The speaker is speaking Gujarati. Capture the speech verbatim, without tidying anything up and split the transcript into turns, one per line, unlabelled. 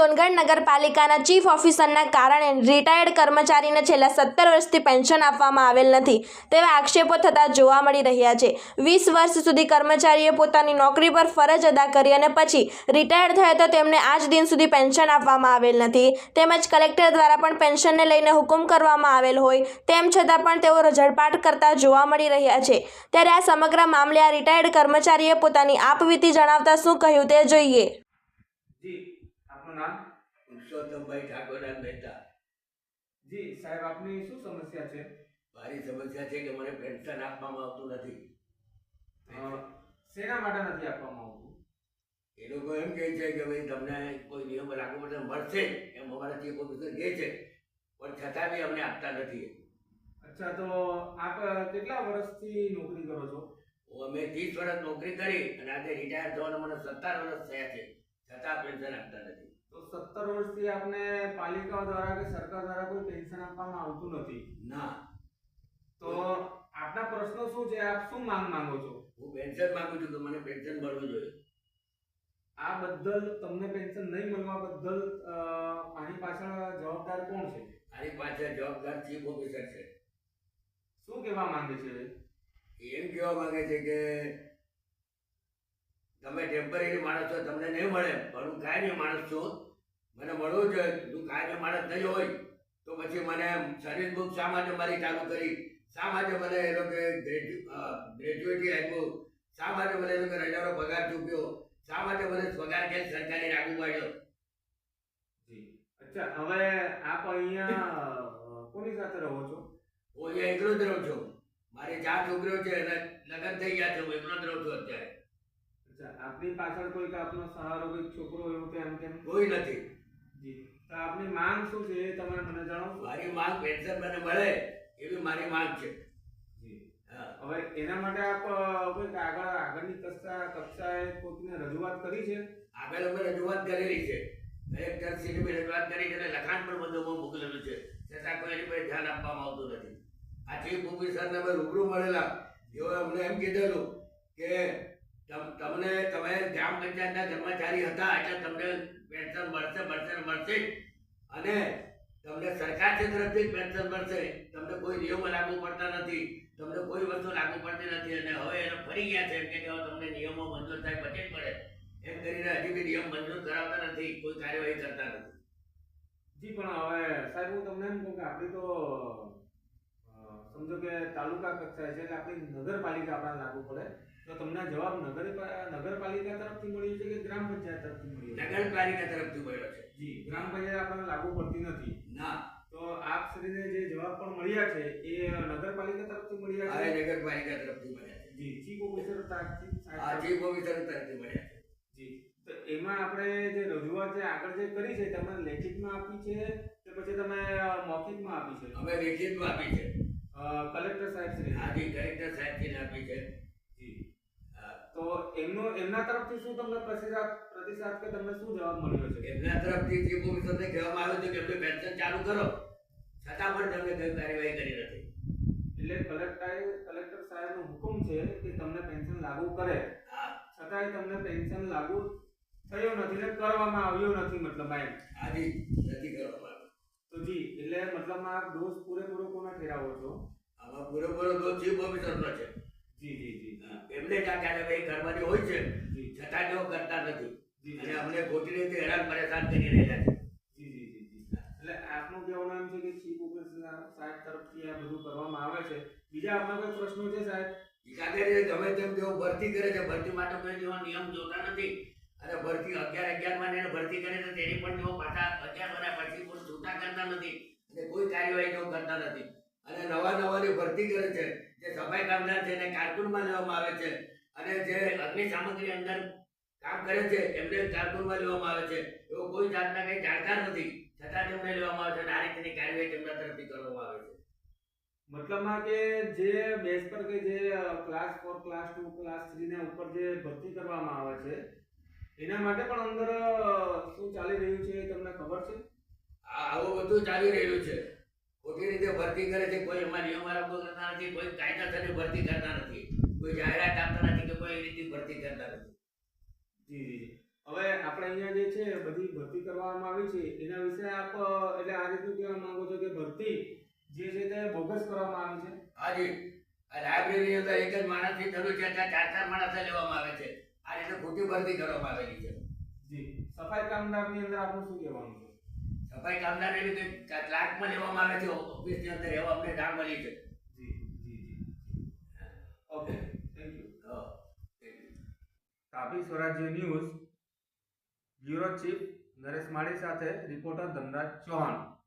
સોનગઢ નગરપાલિકાના ચીફ ઓફિસરના કારણે રિટાયર્ડ કર્મચારીને છેલ્લા સત્તર વર્ષથી પેન્શન આપવામાં આવેલ નથી તેવા આક્ષેપો થતા જોવા મળી રહ્યા છે। વીસ વર્ષ સુધી કર્મચારીએ પોતાની નોકરી પર ફરજ અદા કરી અને પછી રિટાયર્ડ થયા તો તેમને આજ દિન સુધી પેન્શન આપવામાં આવેલ નથી તેમજ કલેક્ટર દ્વારા પણ પેન્શનને લઈને હુકમ કરવામાં આવેલ હોય તેમ છતાં પણ તેઓ રઝળપાટ કરતા જોવા મળી રહ્યા છે। ત્યારે આ સમગ્ર મામલે આ રિટાયર્ડ કર્મચારીએ પોતાની આપવીતી જણાવતા શું કહ્યું તે જોઈએ।
जी आपનું નામ?
પુરુષોત્તમભાઈ ઠાકોરદાસ મહેતા।
જી સાહેબ, આપની શું સમસ્યા છે?
મારી સમસ્યા છે કે મને પેન્શન આપવામાં આવતું નથી।
અ, શેના માટે નથી આપવામાં આવતું?
એ લોકો એમ કહે છે કે ભાઈ તમને કોઈ નિયમ લાગુ પડે મળશે એમ અમારા ચીફ ઓફિસર કહે છે, પણ છતાં બી અમને આપતા નથી।
અચ્છા, તો આપ કેટલા વર્ષથી નોકરી કરો છો?
હું અમે ત્રીસ વર્ષ નોકરી કરી અને આજે રિટાયર થવાના મને સત્તર વર્ષ થયા છે, છતાં પેન્શન આપતા નથી।
તો સત્તર વર્ષથી આપને પાલિકા દ્વારા કે સરકાર દ્વારા કોઈ પેન્શન આપવામાં આવતું નથી?
ના।
તો આપના પ્રશ્નો શું છે? આપ શું માંગ માંગો છો?
હું પેન્શન માંગુ છું કે મને પેન્શન મળવું જોઈએ।
આ બદલ તમને પેન્શન નહીં મળવા બદલ અ, આની પાછળ જવાબદાર કોણ છે?
આની પાછળ જવાબદાર ચીફ ઓફિસર છે।
શું કહેવા માંગે છે?
એ એમ કહેવા માંગે છે કે તમે ટેમ્પરરી માણસ છો, તમને નહીં મળે, પણ હું કાયમી માણસ છું, મને મળવું જોઈએ। હું કાયમી માણસ નહીં હોય તો પછી મને સર્વિસ બુક શા માટે મારી ચાલુ કરી, શા માટે મને એ લોકો ગ્રેજ્યુએટી આપ્યું, શા માટે મને એ લોકો રજાનો પગાર ચૂક્યો, શા માટે મને પગાર કે સરકારી લાગુ પાડ્યો।
જી અચ્છા, હવે આપ અહીંયા કોની સાથે રહો છો?
હું અહીંયા એકલો જ રહું છું। મારી ચાર છોકરીઓ છે અને લગ્ન થઈ ગયા છે, હું એકલો જ રહું છું અત્યારે।
અચ્છા, આપની પાછળ કોઈ આપનો સહારો કોઈ છોકરો એવું તેમ તેમ
કોઈ નથી।
જી, તો આપની માંગ શું છે એ તમે મને જણાવશો?
મારી માંગ પેન્શન મને મળે એવી મારી માંગ છે।
જી
હા,
હવે એના માટે આપ અ, કોઈ આગળ આગળની કક્ષા કક્ષાએ કોઈને રજૂઆત કરી છે?
આગળ અમે રજૂઆત કરેલી છે, કલેક્ટર શ્રીને બી રજૂઆત કરી છે અને લખાણ પણ બધું મોકલેલું છે, છતાં કોઈ એની પર ધ્યાન આપવામાં આવતું નથી। આ ચીફ ઓફિસરને અમે રૂબરૂ મળેલા, જેઓએ અમને એમ કીધેલું કે તમ- તમને તમે ગ્રામ પંચાયતના કર્મચારી હતા એટલે તમને પેન્શન મળશે મળશે ને મળશે જ, અને તમને સરકાર તરફથી જ પેન્શન મળશે, તમને કોઈ નિયમો લાગુ પડતા નથી, તમને કોઈ વસ્તુ લાગુ પડતી નથી, અને હવે એને ફરી ગયા છે એમ કે હવે તમને નિયમો મંજૂર થાય પછી જ મળે એમ કરીને હજી બી નિયમ મંજૂર કરાવતા નથી, કોઈ કાર્યવાહી કરતા નથી।
જી, પણ હવે સાહેબ હું તમને એમ કહું કે આપણી તો અ, સમજો કે તાલુકા કક્ષાએ છે એટલે આપણી નગરપાલિકા આપણા લાગુ પડે, તો તમને જવાબ નગર નગરપાલિકા તરફથી મળ્યો છે કે ગ્રામ પંચાયત તરફથી મળ્યો છે?
નગરપાલિકા તરફથી મળ્યો છે।
જી, ગ્રામ પંચાયત આપણને લાગુ પડતી નથી?
ના,
તો આપ શ્રીને જે જવાબ પણ મળ્યા છે એ નગરપાલિકા તરફથી મળ્યા
આ
છે?
નગરપાલિકા તરફથી મળ્યા છે।
જી, ચીફ ઓફિસર તરફથી
આ
સાહેબ?
ચીફ ઓફિસર તરફથી મળ્યા છે।
જી, તો એમાં આપણે જે રજૂઆત જે આગળ જે કરી છે તમે લેખિતમાં આપી છે કે પછી તમે અ, મૌખિકમાં આપી છે?
અમે લેખિતમાં આપી છે।
અ, કલેક્ટર સાહેબ શ્રી?
હાજી, કલેક્ટર સાહેબજીને આપી છે।
જી,
હા,
તો એમનો એમના તરફથી શું તમને પ્રતિસાદ પ્રતિસાદ કે તમને શું જવાબ મળ્યો છે?
એમના તરફથી ચીફ ઓફિસરને કહેવામાં આવ્યું હતું કે એમને પેન્શન ચાલુ કરો, છતાં પણ તમને કોઈ કાર્યવાહી કરી નથી।
એટલે કલેક્ટરે કલેક્ટર સાહેબનો હુકમ છે કે તમને પેન્શન લાગુ કરે,
હા,
છતાંય તમને પેન્શન લાગુ થયો નથી ને કરવામાં આવ્યો નથી, મતલબ એમ?
હાજી, નથી કરવામાં આવ્યું।
તો જી, એટલે મતલબમાં આપ દોષ પૂરેપૂરો કોના ઠેરાવો છો?
આમાં પૂરેપૂરો તો ચીફ ઓફિસરનો છે।
જી જી જી
હા, એમને જ આ કાર્યવાહી કરવાની હોય છે,
જી
છતાં તેઓ કરતા નથી
જી
અને અમને ખોટી રીતે હેરાન પરેશાન કરી રહ્યા છે।
જી જી જી જી એટલે આપનું કહેવાનું એમ છે કે ચીફ ઓફિસર સાહેબ તરફથી આ બધું કરવામાં આવે છે। બીજા આપના કોઈ પ્રશ્નો છે સાહેબ?
કાગળિયે ગમે તેમ તેઓ ભરતી કરે છે, ભરતી માટે કોઈ જેવો નિયમ જોતા નથી, અને ભરતી અગિયાર અગિયાર માં એને ભરતી કરે છે તેની પણ તેઓ પાછા અગિયાર વર્ષ પછી કોઈ છૂટા કરતા નથી અને કોઈ કાર્યવાહી તેઓ કરતા નથી, અને નવા નવાની ભરતી કરે છે, જે સફાઈ કામદાર છે એને કારકુનમાં લેવામાં આવે છે, અને જે અગ્નિ સામગ્રી અંદર કામ કરે છે એમને કારકુનમાં લેવામાં આવે છે, એવો કોઈ જાતના કંઈ જાણકાર નથી, છતાં તેમને લેવામાં આવે છે અને આ રીતની કાર્યવાહી તેમના તરફથી કરવામાં આવે છે।
મતલબમાં કે જે બેઝ પર કે જે class four class two class three ના ઉપર જે ભરતી કરવામાં આવે છે એના માટે પણ અંદર અ, શું ચાલી રહ્યું છે એ તમને ખબર છે?
આ આવું બધું ચાલી રહ્યું છે, ખોટી રીતે ભરતી કરે છે, કોઈ એમાં નિયમ લાગુ કરતા નથી, કોઈ કાયદાસરની ભરતી કરતા નથી, કોઈ જાહેરાત આપતા નથી કે કોઈ એ રીતે ભરતી કરતા નથી।
જી જી જી હવે આપણે અહીંયા જે છે બધી ભરતી કરવામાં આવી છે એના વિશે આપ અ, એટલે આ રીતનું કહેવા માંગો છો કે ભરતી જે છે તે બોગસ કરવામાં આવી છે.
હાજી આ લાઇબ્રેરી અંદર એક જ માણસની જરૂર છે ત્યાં ચાર ચાર માણસો લેવામાં આવે છે. આ રીતે ખોટી ભરતી કરવામાં આવેલી છે.
જી સફાઈ કામદારની અંદર આપનું શું કહેવાનું છે?
સફાઈ કામદારની રીતે ક્લાર્કમાં લેવામાં આવે છે ઓફિસની અંદર એવા અમને જાણ મળી છે.
જી જી જી ઓકે થેન્ક યુ.
હા.
Tapi Swarajya news bureau chief Naresh Mali સાથે રિપોર્ટર ધનરાજ ચૌહાણ.